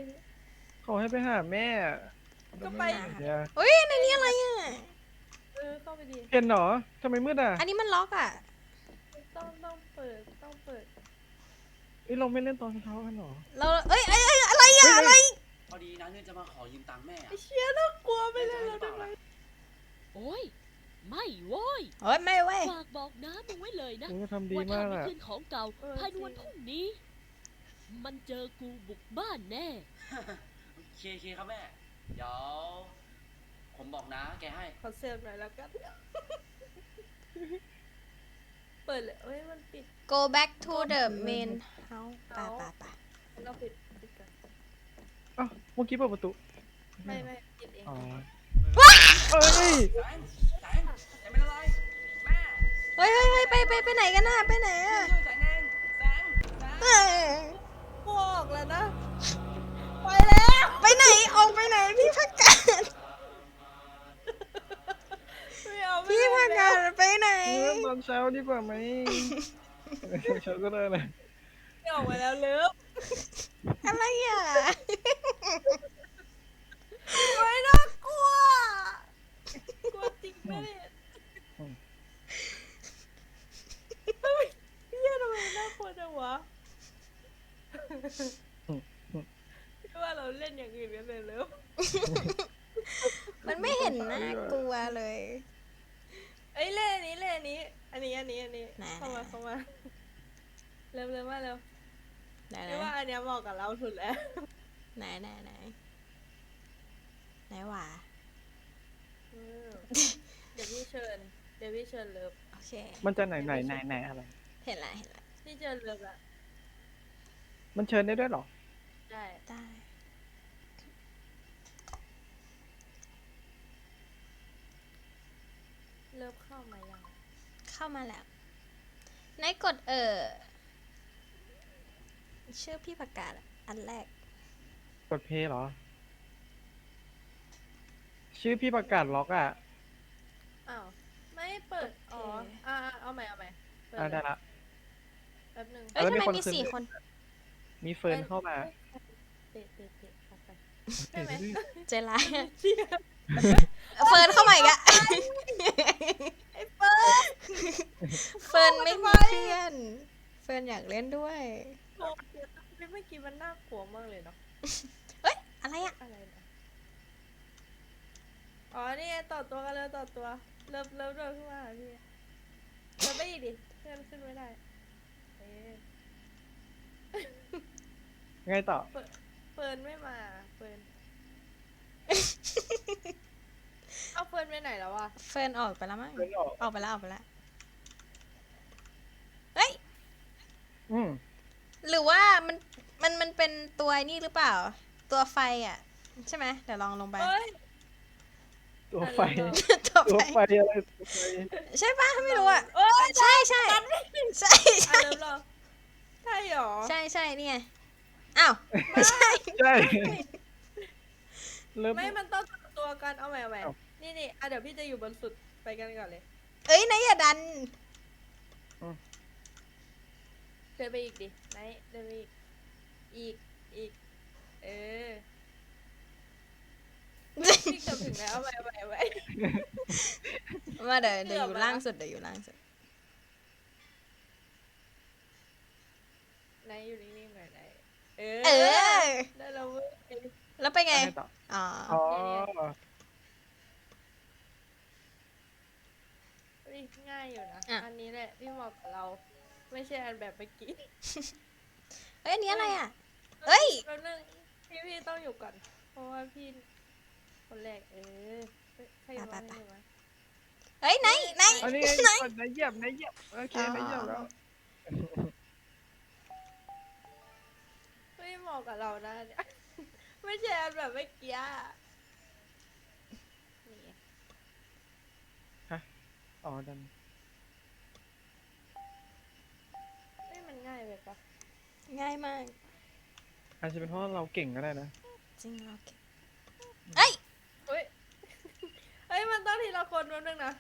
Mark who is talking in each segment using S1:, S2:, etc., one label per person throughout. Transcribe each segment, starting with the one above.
S1: เขาให้ไปหาแม่
S2: ก็ไป
S3: เฮ้ยในนี้อะไรอ่ะ
S2: เข้าไปดี
S1: เห็นเหรอทำไมมืดอ่ะ
S3: อันนี้มันล็อกอ่ะ
S2: ต้องเปิด
S1: เราไม่เล่นตอนเช้ากันเหรอ
S3: เราอะไรอ่ะอะไร
S4: พอดีนะเนี่ยจะมาขอยืมตังค์แม่อะ
S2: ไอ้เชี่ยน่ากลัวไปเลยเราได้ไหม
S5: โอ้ยไม่โว้ย
S3: เฮ้ยไม่เว้ย
S5: ฝากบอกน้ามึงไว้เลยนะ
S1: โอ้ทำดี
S5: ว่า
S1: มา
S5: ถ้าก ไม่
S1: อ่ะ
S5: คืนของเก่าภายในวันพรุ่งนี้ มันเจอกูบุกบ้านแน่
S4: เคครับแม่ เดี๋ยวผมบอกนะแกให้
S2: ขอเซฟหน่อยแล้วกันเปิดเลยมันปิด
S3: go back to the main house ไป
S2: เราปิดกัน
S1: อ้าวเมื่อกี้เปิดประตู
S2: ไม่ปิดเอง
S1: อ๋อเอ้ย
S4: แสงอย่าเป็นอะไร แม่
S3: เฮ้ยไปไหนกันน่ะไปไหนอ่ะ
S4: ช่วยแสงเองแสง
S3: เอ้ย
S2: บอกแล้วนะไปแล้ว
S3: ไปไหนออกไปไหนพี่พักกาด
S2: ไม่เอา
S3: พี่พักกาดไปไหน
S1: เล่นตอนเช้าดีกว่าไหมตอนเช้าก็ได้นะ
S2: ไม่ออกมาแล้วเลิฟ
S3: อะไรอ่ะ
S2: ไม่น่ากลัวกลัวจริงไหมเนี่ยพี่ทำไมน่ากลัวจังวะพี่ว่าเราเล่นอย่างอื่นกันเลยเลิฟ
S3: มันไม่เห็นน่ากลัวเลย
S2: เล่นอันนี้อันนี้
S3: ไหน
S2: เข้ามาเร็วมาเร็ว
S3: ไหน
S2: พี่ว่าอันเนี้ยเหมาะกับเราสุดแล้ว
S3: ไหนหว่า
S2: เดี๋ยวพี่เชิญเลิฟ
S3: โอเค
S1: มันจะไหนอะไร
S3: เห็นละ
S2: พี่เชิญเลิฟละ
S1: มันเชิญได้ด้วยเหรอ
S2: ได้
S3: ได้
S2: เลิฟเข้ามายัง
S3: เข้ามาแล้วไหนกดชื่อพี่ประกาศอะอันแรก
S1: กดเพย์เหรอ ชื่อพี่ประกาศล็อกอ่ะ
S2: อ้าวไม่เปิดอ๋อเอาใหม่เปิด
S1: ได้ละ
S2: แป๊บนึง
S3: เอ้ย
S1: แล้ว
S3: ทำ
S1: มี
S3: ไม
S1: คน
S3: มี
S1: ขึ้น
S3: 4 คน
S1: มีเฟิร์นเข้ามา
S2: เตะออกไปใช่ไหม
S3: ใจร้ายอะ
S2: เชี่ย
S3: เฟิร์นเข้ามาอีกอะ
S2: ไอ้เปิด
S3: เฟิร์นไม่มีเพื่อน เฟิร์นอยากเล่นด้วย
S2: เมื่อกี้มันน่ากลัวมากเลยเนาะ
S3: เอ้ยอะไรอะ
S2: อะไรนะอ๋อนี่ไงต่อตัวกันแล้วต่อตัวเลิฟเดินขึ้นมาหาพี่เลิฟไปอีกดิเพื่อนขึ้นไม่ได้เอ๊ะ
S1: ไงต่อ
S2: เฟิร์นไม่มาเฟิร์นเอาเฟิร์นไปไหนแล้ววะ
S3: เฟิร์นออกไปแล้วมั้ง
S1: เฟิร์นออก
S3: ออกไปแล้วเฮ้ย
S1: อืม
S3: หรือว่ามันเป็นตัวนี่หรือเปล่า ตัวไฟอ่ะ ใช่ไหมเดี๋ยวลองลงไป
S2: เฮ้ย
S1: ตัวไฟ
S3: ตัว
S1: ตัว
S3: ไฟ
S1: ไฟอะไรตัวไฟ
S3: ใช่ปะไม่รู้อ่ะ
S2: เอ้ย
S3: ใช่
S2: อ่ะ
S3: ใช่
S2: เริ่มเหรอใช่หรอ
S3: ใช่นี่ไงอ้าวไม่ใช่
S1: ใช่เริ่ม
S2: ไม่มันต้องจับตัวกันเอาใหม่
S1: เอ้า
S2: นี่เดี๋ยวพี่จะอยู่บนสุดไปกันก่อนเลย
S3: เอ้ยนายอย่าดัน
S2: เดินไปอีกดิไหนเดินไปอีกเออพี่เกือบถึงแล้วเอาใหม่
S3: มาเดี๋ยวอยู่ล่างสุด
S2: ไหนอยู่นิ่งๆหน่อยไหนเอ
S3: เออ
S2: ได้แล้วเว้ย
S3: แล้วไปไง
S1: ไงต่อ
S3: อ๋อ
S1: อ๋อ
S2: เฮ้ยง่ายอยู่นะอันนี้แหละที่เหมาะกับเรา ไม่ใช่อันแบบเมื่อกี้
S3: เอ้ยอันนี้อะไรอ่ะเอ้ย
S2: แล้วนึงพี่ต้องอยู่ก่อน เพราะว่าพี่คนแรกใครอยู่บ้างไม่รู้วะ
S3: เอ้ยไหน
S1: อันนี้ไงก่อนนายเหยียบโอเคนายเหยียบแล้ว
S2: ไม่เหมาะกับเรานะเนี่ย ไม่ใช่อันแบบเมื่อกี้นี่ไง
S1: อ๋อดัน
S2: มันง่ายไปปะ
S3: ง่ายมาก
S1: อาจจะเป็นเพราะเราเก่งก็ได้นะ
S3: จริงเราเก่งเอ้ย
S2: เฮ้ย มันต้องทีละคนแป๊บนึงนะ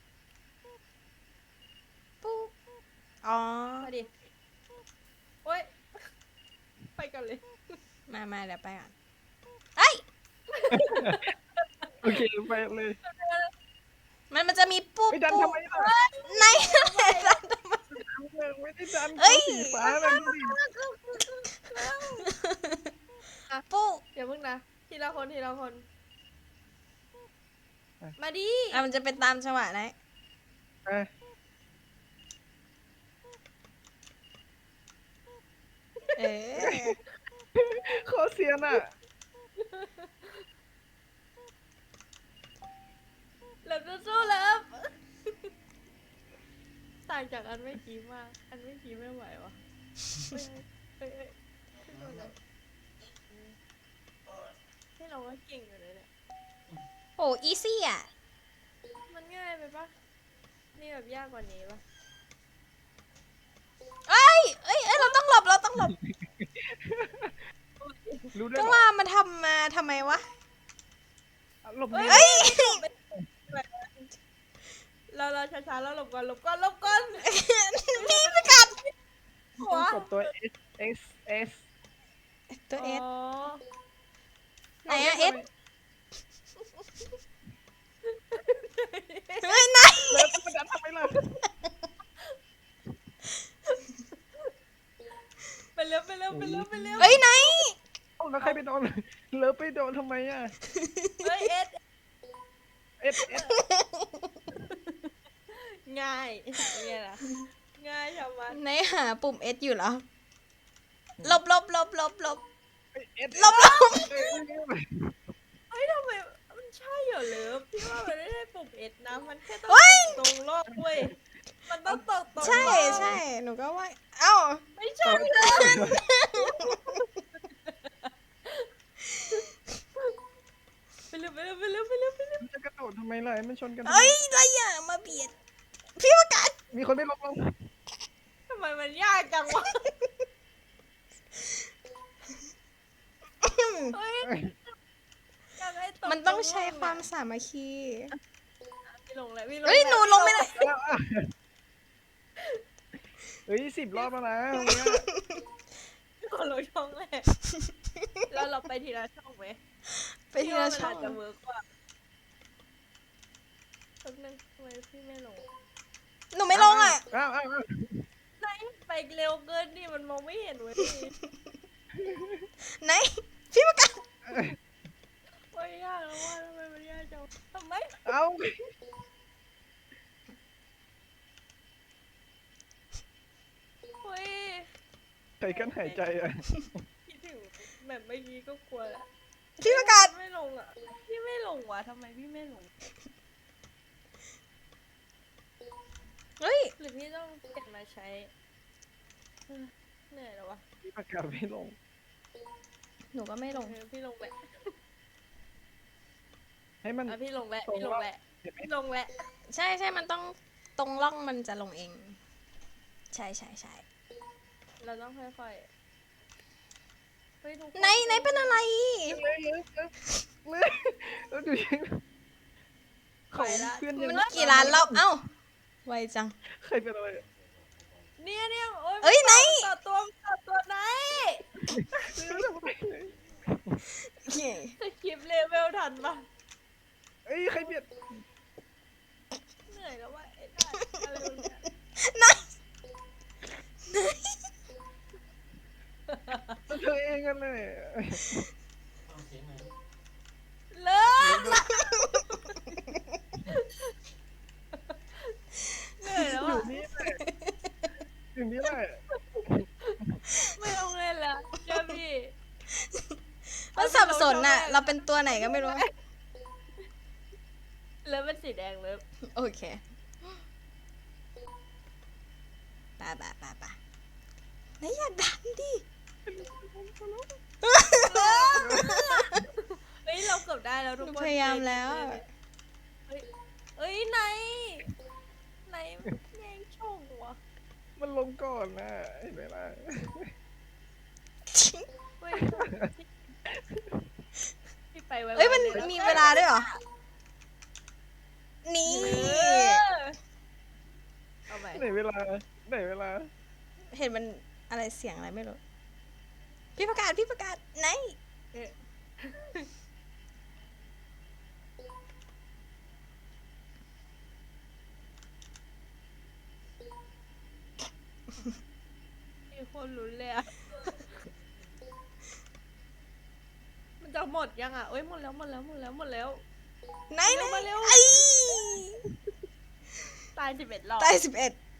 S3: ปุ๊บอ๋อ
S2: มาดิโอ้ย ไปกันเลย
S3: มาเดี๋ยวไปก่อนเอ้ย
S1: โอเคไปเลย
S3: มันจะมีปุ๊บ
S1: ไม่ดัน
S3: ปุ๊
S1: ทำ
S3: บ
S1: ไมล่ะ
S3: ในดันทำไม
S1: ไม่ได้ดัน
S3: เอ้ย
S1: สีฟ้าเลยดูดิ
S3: ปุ๊บ
S2: อย่าเพิ่งนะทีละคนทีละคน มาดิ
S3: มันจะเป็นตามจังหวะนะ
S1: อ่ะ
S3: เออ
S1: โคตรเซียนอ่ะ
S2: เลิฟสู้ๆเลิฟต่างจากอันไม่กี้มาก อันไม่กี้ไม่ไหววะเฮ้ยขึ้นมาเลยให้เราก็เก่งอยู่เลยเนี่ย
S3: โอ้อีซี่อ่ะ
S2: มันง่ายไปปะนี่แบบยากกว่านี้ปะ
S3: เอ้ยเราต้องหลบ
S1: รู้ด้วย
S3: ก็
S1: เหรอ
S3: ว่ามันทำมาทำไมวะ
S1: หลบหนี
S3: เอ้ย
S2: เราช้าๆแล้วหลบก่อน
S3: พี่ไปกัด
S2: หั
S1: ต้
S2: ว
S1: องกดตัว S
S3: ตัวเอส
S2: อ๋อ
S3: ไหนอะเอสเฮ้ยนาย
S1: แล้วมันดันทำไมล่ะ
S2: ไปเร็ว
S3: เฮ้ยนาย
S1: เอ้าแล้วใครไปโดนเลิฟไปโดนทำไมอ่ะ
S2: เฮ้ยเอส
S1: S
S2: ง่ายเป็นไงล่ะง่ายชาวบ้าน
S3: นายหาปุ่มเอสอยู่เหรอหลบ
S1: S
S2: เฮ้ยทำไมมันใช่เหรอเลิฟพี่ว่ามันไม่ได้ปุ่มเอสนะมันแค่ต้อง
S3: เฮ้ย
S2: ตรงโลกเว้ยมันต้องตรง
S3: ใช่
S2: โลก
S3: ใช่หนูก็ว่า เอ้า
S2: ไม่ใช่เลยไปเร็ว
S1: จะกระโดดทำไมล่ะมันชนกัน
S3: เอ้ยอะไรอย่ามาเบียด พี่ประกาศ
S1: มีคนไม่ลง
S2: ทำไมมันยากจังวะเฮ้ยอยากให้ตรง
S3: มันต้องใช้
S2: โลก
S3: ความสามัคคี
S2: พี่ลงแล้ว
S3: เฮ้ยหนูลงไม่ได้
S1: เฮ้ย10 รอบแล้วนะวันเนี้ย
S2: คนลงช่องแรกแล้วเราไปทีละช่องไหม
S3: ไปทีละช่อง
S2: พี่ว่ามันอาจจะเวิร์กกว่าแป๊บนึงทำไมพี่ไม่ลง
S3: หนูไม่ลงอ่ะ
S1: อ้าว
S2: ไหนไปเร็วเกินนี่มันมองไม่เห็นเว้ย
S3: ไหน พี่ประกาศ
S2: โอ้ยยากแล้วว่าทำไมมันยากจังทำไม
S1: เอ้า
S2: เฮ้ย
S1: ใครกันหายใจอ่ะ
S2: คิดถึงแบบเมื่อกี้ก็กลัวแหละ
S3: พี่ประกาศ
S2: ไม่ลงอ่ะพี่ไม่ลงวะทำไมพี่ไม่ลง
S3: เฮ้ย
S2: หรือพี่ต้องเก็บมาใช้เหนื่อยแล้ววะ
S1: พี่ประกาศไม่ลง
S3: หนูก็ไม่ลง
S2: พี่ลงแหละ
S1: ให้มัน
S2: พี่ลงแหละ
S1: ตรง
S2: พี่ลงแหละ
S1: เห็นไหม
S2: พี่ลงแหละ
S3: ใช่มันต้องตรงร่องมันจะลงเอง ใช่
S2: เราต้องค่อยๆเฮ้ยทุกคน
S3: ไหนเป็นอะไร
S1: เลยแล้วดูยังเขาเพื่อนยัง
S3: มันกี่ล้านรอบ เอ้า ไวจัง
S1: ใครเป็นอะไร
S2: เนี่ยโอ้ย
S3: เอ้ยไหน
S2: ต่อตัวไหนสคริปต์เลเวลทันปะ
S1: เอ้ยใครเบียด
S2: เหนื่อยแล้วว่ะไอ้ได้อะไรวะเนี่ย
S1: เธอเองกันเลย
S2: เลิกละเหนื่อยแล้ว
S1: อยู่
S2: อ่ะ
S1: นี่แหละอยู่นี่แหละ
S2: ไม่ต้องเล่นละเจ้าพี่
S3: มันสับสนน่ะ เราเป็นตัวไหนก็ไม่รู้
S2: เลิฟเป็นสีแดงเลิฟ
S3: โอเคป่ะไหนอย่าดันดิ
S2: เฮ้ยเราเกือบได้แล้ว
S3: ห
S2: ทุก
S3: นู
S2: คน
S3: พยายามแล้ว
S2: เฮ้ยไหนแย่งโชควะ
S1: มันลงก่อนนะเห็นไหมล่ะ
S2: เฮ้ยพี่ไปไว้
S3: เอ้ยมัน
S2: เลยะ
S3: มีเวลาด้วยเหรอ นี่
S2: เอาไป
S1: ไหนเวลา
S3: เห็นมันอะไรเสียงอะไรไม่รู้พี่ประกาศไหน
S2: เอ๊ะมีคนลุ้นเลยอะมันจะหมดยังอ่ะเอ้ยหมดแล้ว
S3: ไหน
S2: เร็วมาเร็ว
S3: ไอ้
S2: ตาย11 รอบ
S3: ตาย11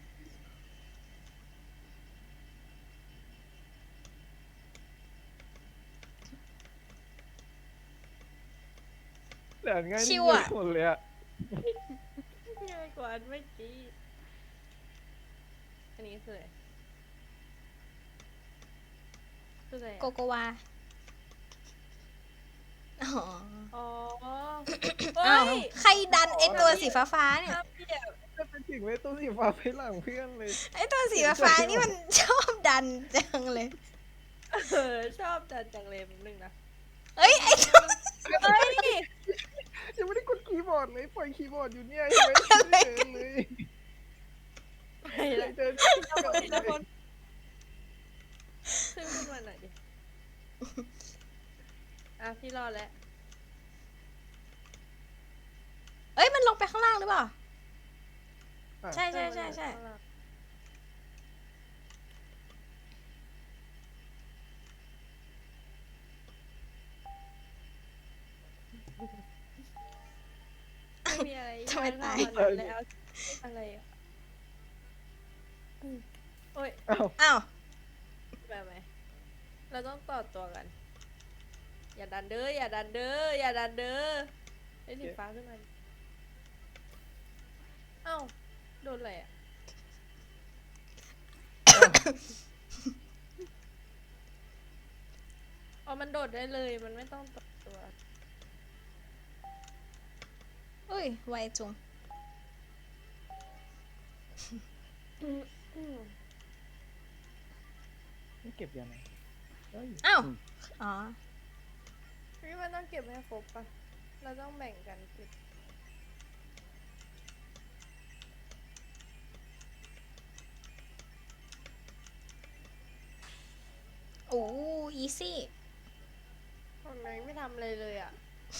S1: เหลือง่าย
S3: ชิ
S1: นิด
S3: ว
S1: เดียว
S3: อะ
S1: หมดเลยอะ
S2: ง่ายกว่าอันเมื่อกี้อันนี้คืออะไรคืออะไร
S3: โก
S2: อะ
S3: โกวาอ๋อ
S2: อ๋อ
S3: อ้าว
S2: เฮ้ย
S3: ใครดันไอตัวสีฟ้าๆเนี่ย
S2: น้ำเปียก
S1: จะไปถึงเลยตัวสีฟ้าไปหลังเพื่อนเลย
S3: ไอตัวสีฟ้าๆนี่มันชอบดันจังเลย
S2: ชอบจัดจังเลยแป๊บนึงนะ
S3: เอ้ยไอตัว
S2: เฮ้ย
S1: ยังไม่ได้กดคีย์บอร์ดเลยปล่อยคีย์บอร์ดอยู่เนี่ยยังไม่ได้เดินเลย
S2: ไปละ
S1: เดิน
S2: ทีละคนขึ้นมาหน่อยดิอ่ะพี่รอดแล้ว
S3: เอ้ยมันลงไปข้างล่างหรือเปล่า ใช่
S2: ไม่มีอะไร
S3: ทำไมตาย
S2: แล้วอะไรอ่ะโอ้ย
S1: อ้าว
S3: อ้าว
S2: แบบไหมเราต้องต่อตัวกัน อย่าดันเด้ออย่าดันเด้ออย่าดันเด้อไอ้สีฟ้าขึ้นมาเอ้าโดนอะไรอ่ะอ๋อมันโดดได้เลยมันไม่ต้องต่อตัว
S3: อุ้ยไวจุง
S1: นี่เก็บยังไงเฮ้ย
S3: อ้าวอ๋อ
S2: พี่มันต้องเก็บให้ครบปะเราต้องแบ่งกันเก็บ
S3: โอ้อีซี่
S2: ทำไมไม่ทำอะไรเลยอ่ะ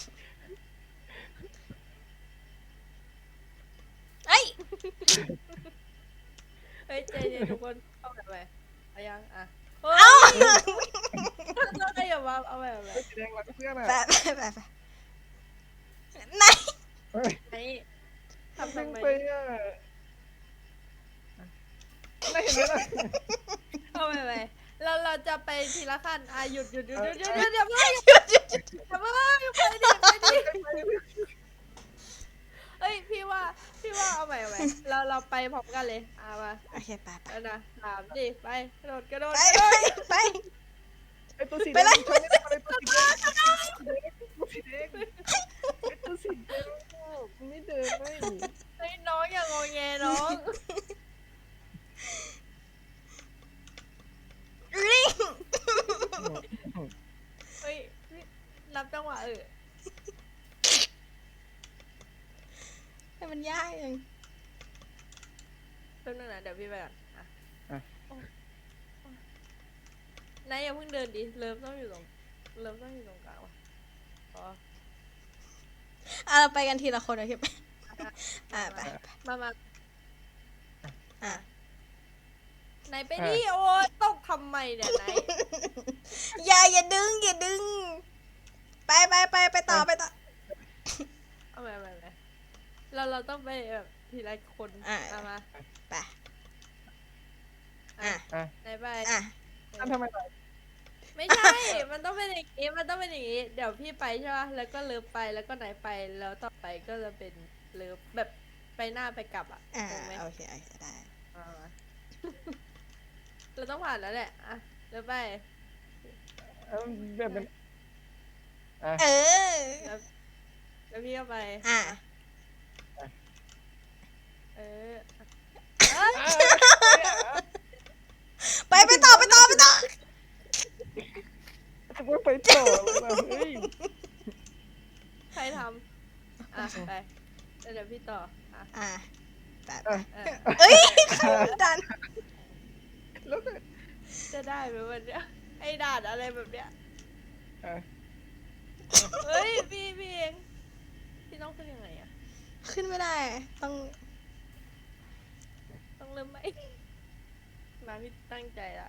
S3: เอ้ย
S2: เฮ้ยเจเจทุกคนเอาแบบไหนเอายังอ่ะ
S3: เอ้า
S2: ต้องได้อย่ามาเอาแบบไหน
S1: สีแดงรักเพื่อนอะ
S3: ไปไหน
S1: เฮ้ย
S2: ไอ้ทำ
S1: ดึ
S2: ทำ
S1: ง
S2: ไม
S1: ไปอะไม่เห็นเลย
S2: เอาแบบไหนเราจะไปทีละขั้นอ่ะหยุดอย่าเพิ่งอย่าเพิ่งอย่าเพิ่งไปดิเอ้ยพี่ว่าเอาใหม่เราไปพร้อมกันเลยอ่ะมา
S3: โอเคไป
S2: แล้วนะถามดิไปกระโดดกระโดด
S3: ไป
S1: ไอตัวสี
S3: ไป
S1: แด
S3: เลย
S1: งชนไม่ได้เลยตัวสีแดงตัวสีแดงไอตัวสีแดงไม่เดินไม่
S2: เฮ้ยน้องอย่างงอแงน้อง
S3: ลิง
S2: เฮ้ยนับจังหวะ
S3: ให้มันยากเอง
S2: แป๊บนึงนะเดี๋ยวพี่ไปก่อนอ่ะนายอย่าเพิ่งเดินดิเริ่มต้องอยู่ตรงกลางว่ะอ๋อ
S3: เราไปกันทีละคนโอเคไหมไป
S2: มา
S3: อ่ะ
S2: นายไปดิโอ้ยตกทำไมเนี่ยนาย
S3: อย่าดึงไปต่อ
S2: เอาไปเราต้องไปแบบทีละคนมา
S3: ไปอ่ะ
S2: นายไป
S3: อ่ะ
S1: นั่นทำไมล่ะ
S2: ไม่ใช่ มันต้องเป็นอย่างนี้เดี๋ยวพี่ไปใช่ป่ะแล้วก็เลิฟไปแล้วก็นายไปแล้วต่อไปก็จะเป็นเลิฟแบบไปหน้าไปกลับอ่ะ
S3: อ่ะ
S2: ถูกไหม
S3: โอเคได้
S2: มาเราต้องผ่านแล้วแหละอ่ะเลิฟไป
S1: แบบเป็น
S3: เออ
S2: แล้วพี่ก็ไป
S3: อ่ะ
S2: เออ
S3: ไปต่อ
S1: จะไม่ไปต่อเลยนะเฮ้ย
S2: ใครทำอ่ะไปแล้วเดี๋ยวพี่ต่ออ่ะ
S3: อ่ะไป
S2: เออ
S3: เอ้ยดัน
S1: แล้วก็
S2: จะได้ไหมวันเนี้ยไอ้ด่านอะไรแบบเนี้ย
S1: อ่ะ
S2: เฮ้ยพี่เองพี่ต้องขึ้นยังไงอะ
S3: ขึ้นไม่ได้ต้อง
S2: ต้องเริ่มไหมมาพี่ตั้งใจละ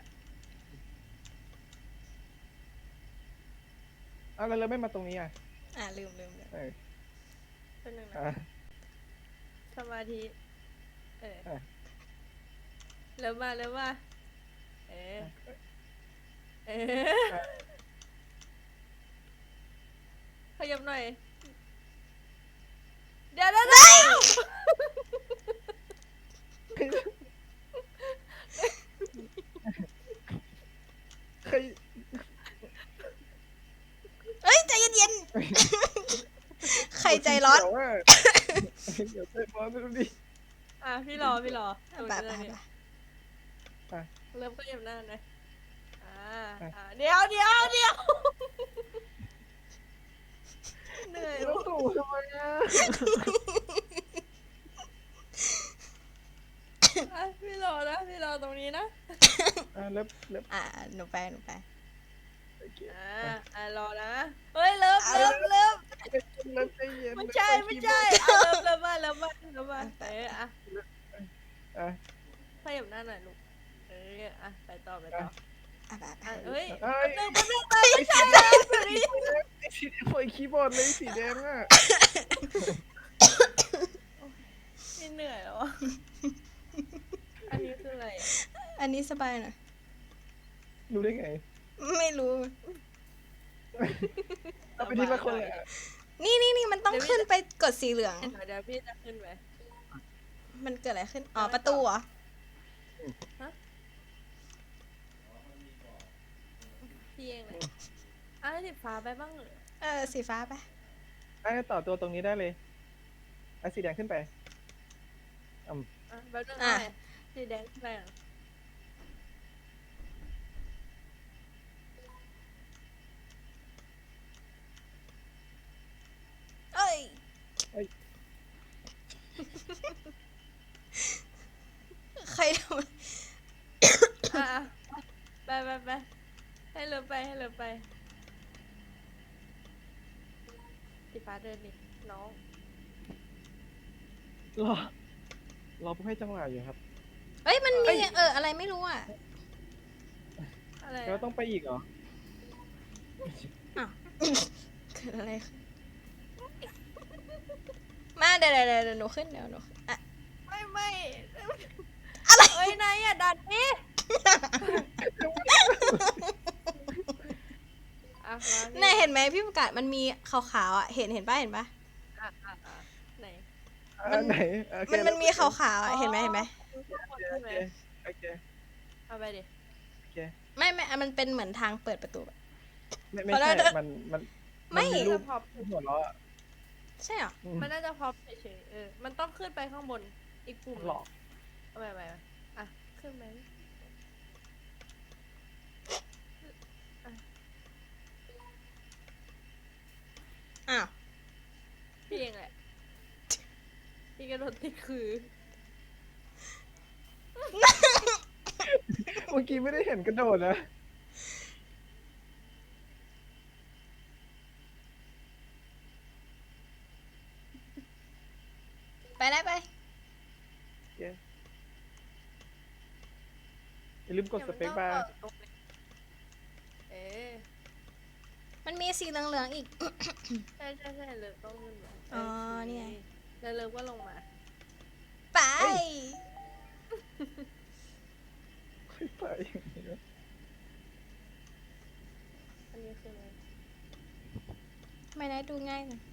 S1: เอาแล้วเราไม่มาตรงนี้อ่ะ
S3: ลืม
S1: เออ
S2: เป็นหนึ่งนะ
S1: อ่ะ
S2: สมาธิเออ
S1: อ่ะ
S2: เริ่มมาเออขยับหน่อยเดี๋ยว
S1: ใคร
S3: เอ้ยใจเย็นๆ ใครใจร้อน
S1: เดี๋ยวว่าเดี๋ยวใจร้อนดูดิ
S2: อ่ะพี่รอตรงนี้เริ่มขยับหน้าหน่อยเดี๋ยวเหนื่อย
S1: ต้องตู่ทำไมอ่ะ
S2: พี่รอตรงนี้นะ
S1: เล็บ
S3: หนูไป
S1: โอเค
S2: รอนะเฮ้ยเริ่ม
S1: เล็บใจเย็น
S2: ไม่ใช่เริ่มมา
S1: อ่ะ
S2: ขยับหน้าหน่อยลูกไปต่อ
S3: ไป
S2: เฮ้ย
S1: เอ้ย
S2: แป๊บนึง
S1: ไม่ใช่แบบนี้ไอ้สีแดงไฟคีย์บอร์ดเลยสีแดงอ่ะ
S2: ไม่เหนื่อยแล้วอ่ะอันนี้คืออะไร
S3: อันนี้สบายหน่อย
S1: รู้ได้ไง
S3: ไม่รู้
S1: เอาไปทีละคนเลยอ่ะ
S3: นี่มันต้องขึ้นไปกดสีเหลือง
S2: เดี๋ยวพี่จะขึ้นไป
S3: มันเกิดอะไรขึ้น ประตูเหรอ
S2: พี่เองเลยสีฟ้าไปบ้างเหรอ
S3: สีฟ้าไป
S1: ไอ้ต่อตัวตรงนี้ได้เลยไอ้สีแดงขึ้นไป
S2: แป๊บนึงสีแดงขึ้นไปอ่ะ
S3: เอ้ย ใครทำ
S2: ไปให้เริ่มไปสีฟ้าเดินดิน้อง
S1: รอเพื่อให้จังหวะอยู่ครับ
S3: เอ้ยมันมีอะไรไม่รู้อ่ะ
S2: อะไร
S1: แล้วต้องไปอีกเหรอ
S3: เกิดอะไรขึ้นมาเดี๋ยวหนูขึ้นอ่ะ
S2: ไม่อะไรเอ้ยนายดันนี่
S3: นายเห็นไหมพี่ประกาศมันมีขาวๆอ่ะเห็นปะไหน
S1: ไหน
S3: มันมีขาวๆอ่ะเห็นไหม
S1: โอเค
S2: เอาไปดิ
S3: ไม่มันเป็นเหมือนทางเปิดประตูอะ
S1: ไม่ใช่มันมีรูป
S2: พอ
S1: หัวเราะ
S3: ใช่เหรอ
S2: มันน่าจะพอเฉยๆมันต้องขึ้นไปข้างบนอีกปุ่ม
S1: หลอก
S2: เอาไปขึ้นไหม
S3: อ้าว
S2: พี่เองแหละพี่กระโดดติดคือ
S1: เมื่อกี้ไม่ได้เห็นกระโดดนะ
S3: ไปได้ไป
S1: อย่าลืมกดสเปคบาร์
S3: มันมีสีเหลืองๆอีก
S2: ใช่เลิฟต้องขึ้นมา
S3: อ๋อนี่ไง
S2: แล้วเลิฟก็ลงมา
S3: ไป
S1: ไป
S2: อันนี้คืออะไร
S3: ไม่ได้ดูง่ายนะ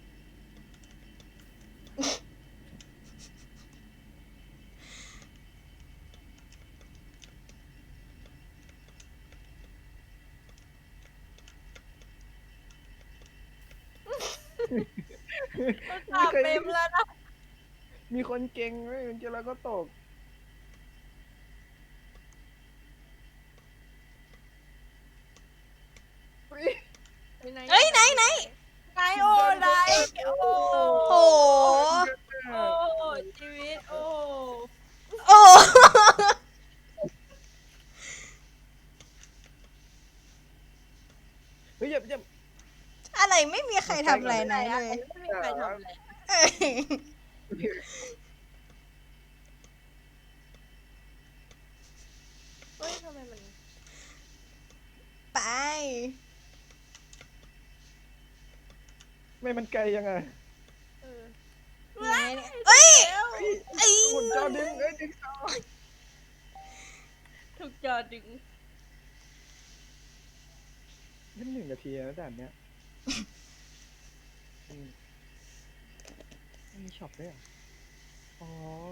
S2: ตาเต็มแล้วนะ
S1: มีคนเก่งไหมมันจะแล้วก็ตก
S3: เอ้ยไหน
S2: ไหนโอ้ไหนโอ้
S3: โอ้
S2: โอ้ชีวิตโอ้
S3: โอ้อะไรไม่มีใครทำอะไรไหนเลย
S2: ไม่มีใครทำอะไร
S3: เอ้ย
S2: เฮ้ยทำไมมัน
S3: ไป
S1: ไม่มันไกลยังไง
S2: เออ
S3: ยังไงเนี่ยเอ้ย
S2: แล้ว
S3: เอ้ย
S1: หมุนจอดึงดึงจอ
S2: ถูกจอดึง
S1: นี่1 นาทีแล้วด่านเนี้ยมันมีช็อปด้วยเหรออ๋อ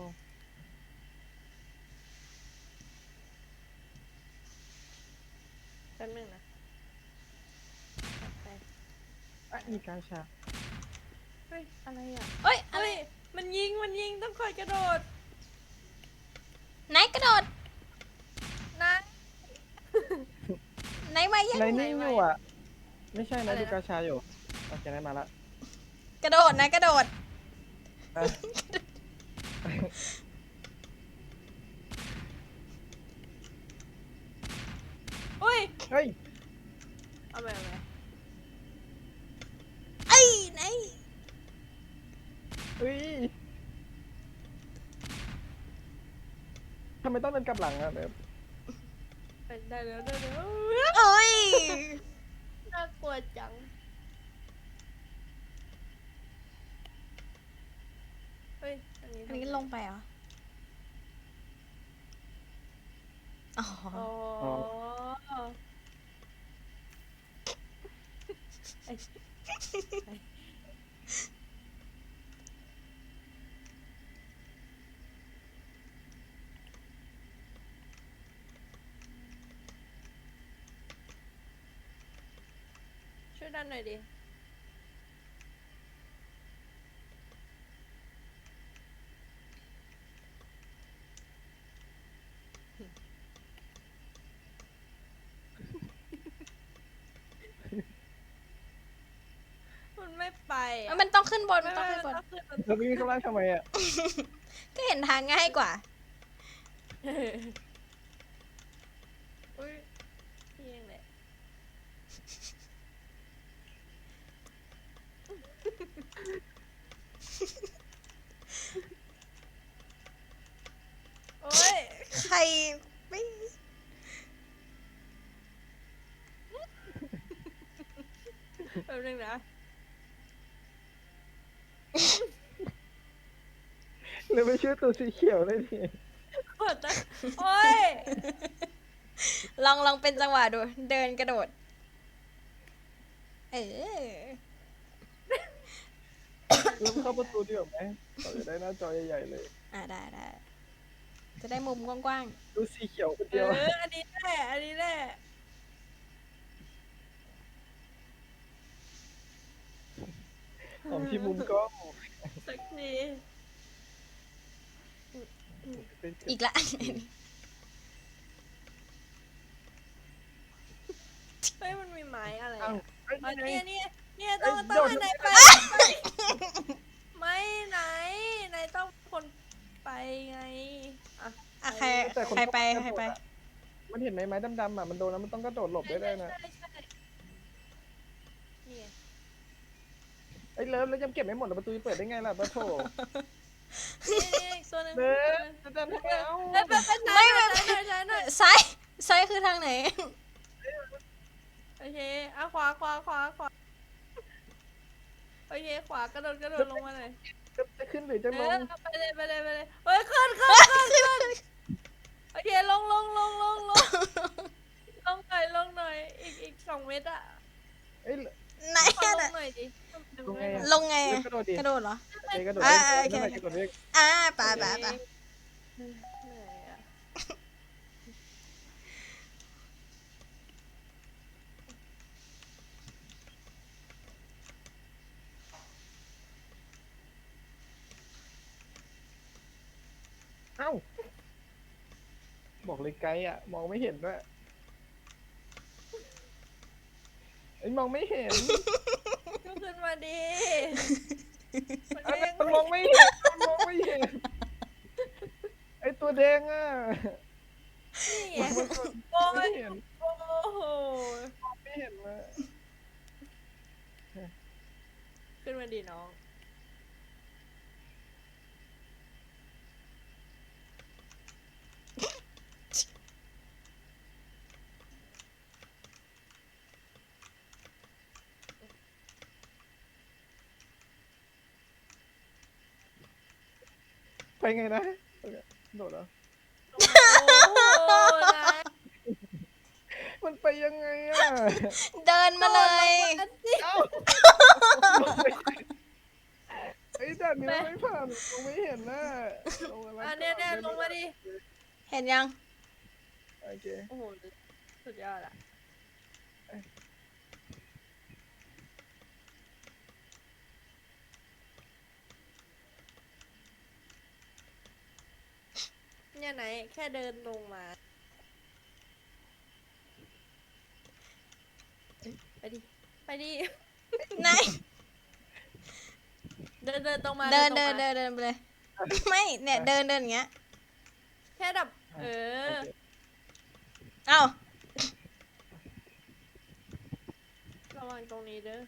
S2: แป๊บนึงนะไป
S1: อ่ะมีการชา
S2: เฮ้ยอะไรอ่ะ
S3: เอ้ยอะไร
S2: เฮ้ยมันยิงต้องคอยกระโดด
S3: ไหนกระโดด
S2: นะ
S3: ไหนมายัง
S1: ในนิ่งอยู่อ่ะ ไม่ใช่
S2: อะไร
S1: นะ
S2: นะ
S1: ดูกาชาอยู่โอเคได้มาละ
S3: กระโดดนะกระโดด
S1: อ่ะ
S2: เฮ้ย
S1: เฮ้ย
S2: เอาไป
S3: ไอ้ยไหน
S1: เฮ้ยทำไมต้องเป็นกลับหลังอ่ะแบบ
S2: ได้แล้ว
S3: เอ้ย
S2: น่ากลัวจังเฮ้ยอันนี้
S3: อันนี้ลงไปเหรอ อ๋อ
S2: อ๋อไอ้ ช่วยดันหน่อยดิ มันไม่ไป
S3: เอ้ยมันต้องขึ้นบน
S2: ไม่
S3: ต้อง
S2: ไม่
S3: ขึ้นบน
S2: ต้องขึ้นมัน
S1: แล้ววิ่งข้างล่างทำไมอ่ะ
S3: ก็เห็นทางง่ายกว่า
S2: อุ้ยพี่เองแหละโอ้ย
S3: ใครไม่
S2: แป๊บนึงนะ
S1: เลยไม่ช่วยตัวสีเขียวเลยที
S2: กดนะโอ้ย
S3: ลองเป็นจังหวะดู เดินกระโดด เออ
S1: แล้วเข้าประตูดีกว่าไหมเราจะได้หน้าจอใหญ่ๆเลย
S3: ได้ จะได้มุมกว้าง
S1: ดูสีเขียวคน
S2: เอ
S1: เดียว
S2: ออันนี้แหละอันนี้แหละ
S1: ของที่มุมกล้อง
S2: สักที
S1: เป็น
S3: ๆ อีกละ
S2: เฮ้ยมันมีไม้อะไร
S1: อ้าว
S2: อ่ะ
S1: เอ้ย
S2: อ๋อ
S1: นี่ไง
S2: เนี่ยต้อง
S1: เอ้ย
S2: ต้อง
S1: โดด
S2: ให้นายไปไม่ไหนต้องคนไปไงอ่ะ
S3: อ่ะใครไปใครไป
S1: มันเห็นไหมไม้ดำๆอ่ะมันโดนแล้วมันต้องกระโดดหลบได้ด้วยนะ
S2: ใช่นี่ไง
S1: ไอ้เลิฟแล้วยังเก็บไม่หมดแล้วประตูเปิดได้ไงล่ะปะโถ
S2: นี่อีกตัวหนึง
S1: เลิฟจะดันทำไมเอ้า
S2: เป็นใช้หน่อย
S3: ซ้ายคือทางไหน
S2: โอเคอ่ะขวาโอเคขวากระโดดลงมาหน่อย
S1: จะขึ้นหรือจะลง
S2: ไปเลยเฮ้ยขึ้นโอเคลงลงหน่อยอีก2 เมตรอะ
S1: เอ้ย
S3: ไหน
S2: ขอ
S3: อะ
S2: ลงหน่อยดิ
S1: ลงไงอะ
S3: ลงไง
S1: เลิ
S3: อะ
S1: ฟกระโดดดิ
S3: กระโดดเหรอ
S1: เอ้ยกระโดด
S3: อ่า
S1: เล่น
S3: โอเค
S1: นั่นแหละกระโดดเล่น
S3: ไป
S2: เหนื่อยอะ
S1: เอ้าบอกเลยไกลอ่ะ มองไม่เห็นด้วยไอ้ยมองไม่เห็น
S2: ก็ขึ้นมาดิ
S1: เอ้ยมันมองไม่เห็นมันมองไม่เห็นไอ้ตัวแดงอ่ะ
S2: นี่ไง
S1: มัน
S2: โอ้
S1: ไม่
S2: ย
S1: เห็น
S2: โอ้โห
S1: ไม่เห็นนะ
S2: ขึ้นมาดีน้อง
S1: ไปไงนะโดดเหรอ
S2: โอ้โหนาย
S1: มันไปยังไงอ่ะ
S3: เดินมาเลย
S2: อันนี้
S1: เอ้าไอ้ด่านนี้มันไม่ผ่านมองไม่เห็นน่ะลงมาแล้ว
S2: อันเนี้ยลงมาดิ
S3: เห็นยัง
S1: โอเค
S2: โอ้โห สุดยอดอะเนี่ยไหน แค่เดินลงมา ไปดิ ไปดิ
S3: ไหน
S2: เดินตรงมา
S3: เดิน
S2: ตร
S3: เดิ
S2: ง
S3: น
S2: มา
S3: เดินเดินไปเลย ไม่เนี่ยเดินอย่างเงี้ย
S2: แค่แบบเออ
S3: เอ้า
S2: ระวังตรงนี้เด้อ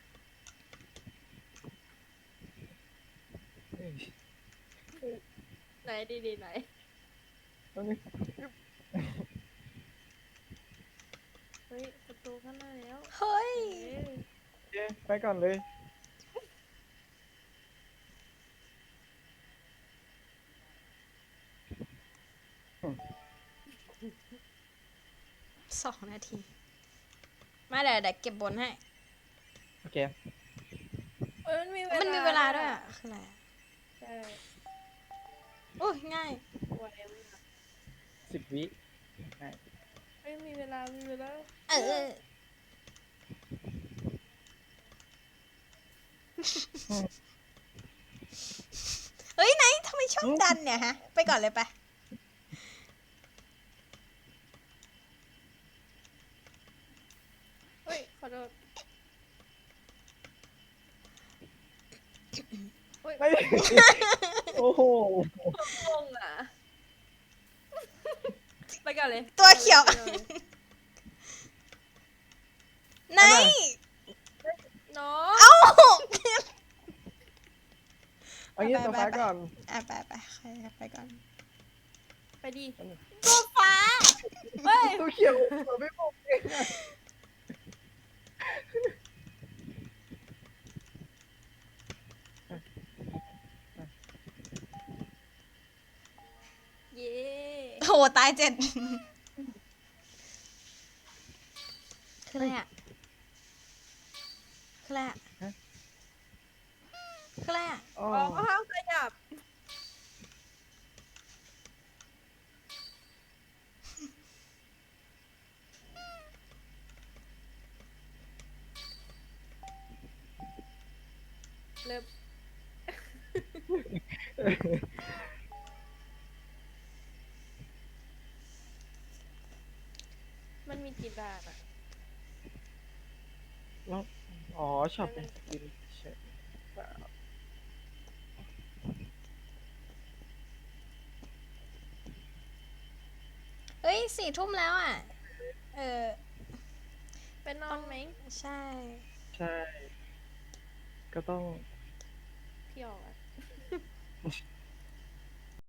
S2: ไหนดีๆไหน
S1: ตรงนี้
S2: เฮ้ย ประตูข้างหน้าแล้ว
S3: เฮ้ย
S2: เอ้ย
S1: โอเคไปก่อนเลย
S3: 2 นาที มาเดี๋ยวเก็บบนให้
S1: โอเค
S2: เอ้ยมันมี
S3: มันมีเวลาด้วยอะคืออะไรอะ
S2: ใช่
S3: โอ้ยง่าย
S2: ไวมาก
S1: 10 วิใช่
S2: เอ้ยมีเวลา มีเวลา
S3: เออ เฮ้ยไหนทำไมชอบดันเนี่ยฮะ ไปก่อนเลยไป
S2: เฮ้ย ขอโทษ
S1: เฮ้ยโอ้โห
S2: งงอ่ะ ไปก่อนเลย
S3: ตัวเขียว
S2: ไปก่อนเลย
S3: ไหน
S2: น้อง
S3: เอ้า
S1: เอางี้
S3: ไป
S1: ตัว
S3: ไป
S1: ฟ้า
S3: ไป
S1: ก่อน
S3: อ่ะไปใครไปก่อน
S2: ไปดี
S3: ตัวฟ้า
S2: เฮ้ย
S1: ตัวเขียวตัวไม่บอกเองอะ
S2: เย้
S3: โหตาย7 คืออะไรอ่ะ คืออะไรอ่ะ คืออะไรอ่ะ
S1: อ๋อ
S2: อ๋อห้ามขยับ เริ่ม มันมีกี่ด่านอ่ะ
S1: แล้วอ๋อช็อปเป็นสกินใช่เปล่า
S3: เฮ้ย4 ทุ่มแล้วอ่ะ เออ
S2: ไปนอนไหม
S3: ใช่
S1: ใช่ ก็ต้อง
S2: พี่ออกอ่ะ